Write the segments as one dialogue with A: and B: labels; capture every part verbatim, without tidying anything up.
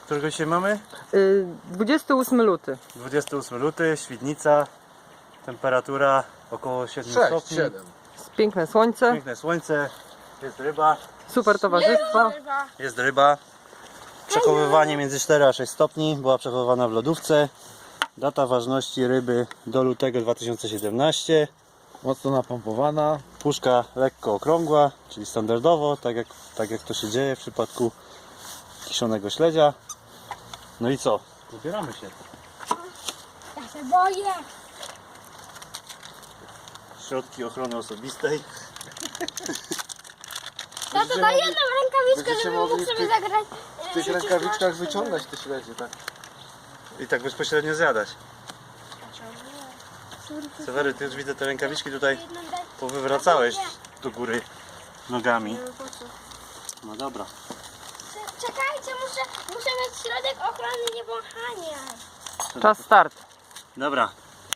A: Którego dzisiaj mamy?
B: Yy, dwudziestego ósmego luty.
A: dwudziestego ósmego luty, Świdnica. Temperatura około siedmiu stopni.
C: siedem.
B: Piękne słońce,
A: Piękne słońce. Jest ryba.
B: super towarzystwo.
A: Jest ryba. Przechowywanie między cztery a sześć stopni. Była przechowywana w lodówce. Data ważności ryby do lutego dwa tysiące siedemnastego.
C: Mocno napompowana.
A: Puszka lekko okrągła, czyli standardowo, tak jak, tak jak to się dzieje w przypadku kiszonego śledzia. No i co? Zabieramy się.
D: Ja się boję.
A: Środki ochrony osobistej.
D: Tato, daj jedną rękawiczkę,
C: Będziecie
D: żeby
C: mogli
D: mógł
C: w
D: sobie
C: tych-
D: zagrać.
C: W tych rękawiczkach wyciągać te śledzie, tak?
A: I tak bezpośrednio zjadać. Sewery, ty już widzę te rękawiczki tutaj powywracałeś do góry nogami. No dobra.
D: Czekajcie, muszę, muszę mieć środek ochrony niewąchania.
B: Czas start.
A: Dobra.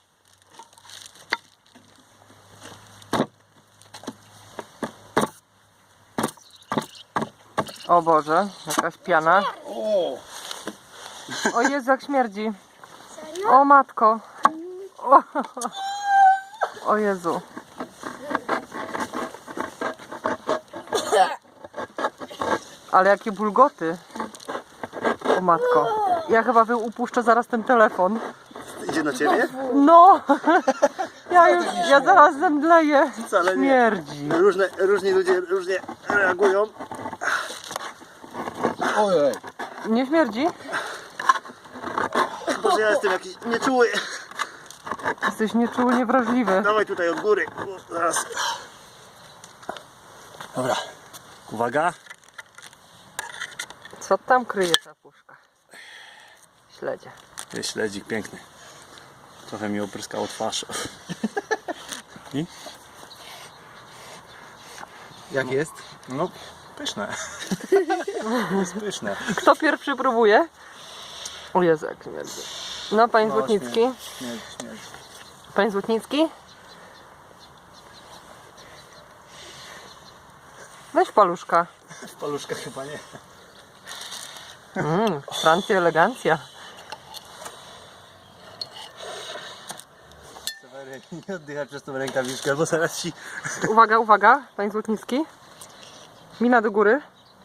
B: O Boże, jakaś piana.
C: O!
B: O Jezu, jak śmierdzi.
D: Serio?
B: O matko. O, o Jezu. Ale jakie bulgoty. O matko. Ja chyba wy upuszczę zaraz ten telefon.
A: Idzie na ciebie?
B: No! Ja już, ja zaraz zemdleję.
A: Wcale nie.
B: Śmierdzi.
A: Różne, różni ludzie różnie reagują.
C: Ojej!
B: Nie śmierdzi?
A: Może ja jestem jakiś nieczuły.
B: Jesteś nieczuły, niewrażliwy.
A: Dawaj tutaj od góry. O, zaraz. Dobra. Uwaga.
B: Co tam kryje ta puszka? Śledzie.
A: Jest śledzik piękny. Trochę mi opryskało twarz. I?
C: Jak jest?
A: No, pyszne. Jest pyszne.
B: Kto pierwszy próbuje? O Jezu, jak śmierdzi. No, panie
A: No,
B: Złotnicki.
A: Śmierdzi, śmierdzi.
B: Panie Złotnicki? Weź paluszka.
A: W paluszkach chyba nie.
B: Mm, Francja, elegancja.
A: Sewery, nie oddychaj przez tą rękawiczkę, bo zaraz ci...
B: Uwaga, uwaga, panie Złotnicki. Mina do góry.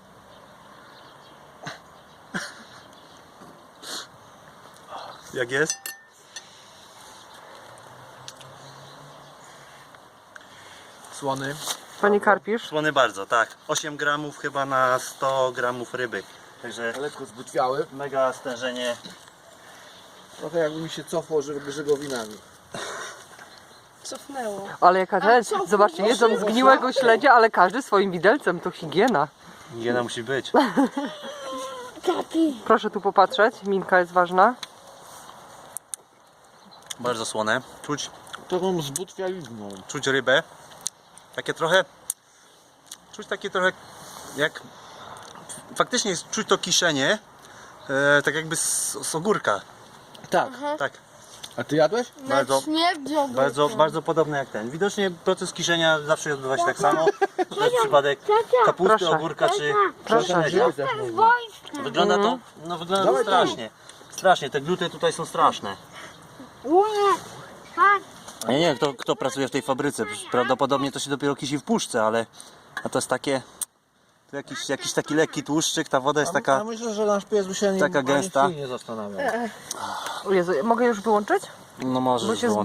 A: Jak jest?
C: Słony.
B: Panie Karpisz.
A: Słony bardzo, tak. osiem gramów chyba na sto gramów ryby. Także
C: Lekko zbutwiały.
A: mega stężenie.
C: Trochę jakby mi się cofło ży- żygowinami.
D: Cofnęło.
B: Ale jaka rzecz. Zobaczcie, jedzą zgniłego śledzia, ale każdy swoim widelcem. To higiena.
A: Higiena musi być.
D: Kapi.
B: Proszę tu popatrzeć. Minka jest ważna.
A: Bardzo słone. Czuć,
C: Taką zbutwializną.
A: czuć rybę. Takie trochę... Czuć takie trochę jak... Faktycznie jest, czuć to kiszenie. E, tak jakby z, z ogórka.
C: Tak.
A: Tak.
C: A ty jadłeś?
A: Bardzo,
D: Śmierdzi ogórkiem.
A: bardzo, bardzo podobne jak ten. Widocznie proces kiszenia zawsze odbywa się tak samo. To jest przypadek kapusty,
B: Proszę.
A: ogórka czy
B: Proszę.
A: śledzia.
C: Też można.
D: Wojska.
A: Wygląda to, no wygląda to
C: Dawaj tam.
A: strasznie. Strasznie, te gluty tutaj są straszne.
D: Ue. Patrz.
A: Ja nie wiem kto, kto pracuje w tej fabryce. Prawdopodobnie to się dopiero kisi w puszce, ale a to jest takie. To jakiś, jakiś taki lekki tłuszczyk, ta woda jest
C: Ja
A: taka.
C: myślę, że nasz pies by się nie,
A: taka
C: ani
A: gęsta.
C: chwili nie zastanawiał.
B: O Jezu, mogę już wyłączyć?
A: No może
B: Bo się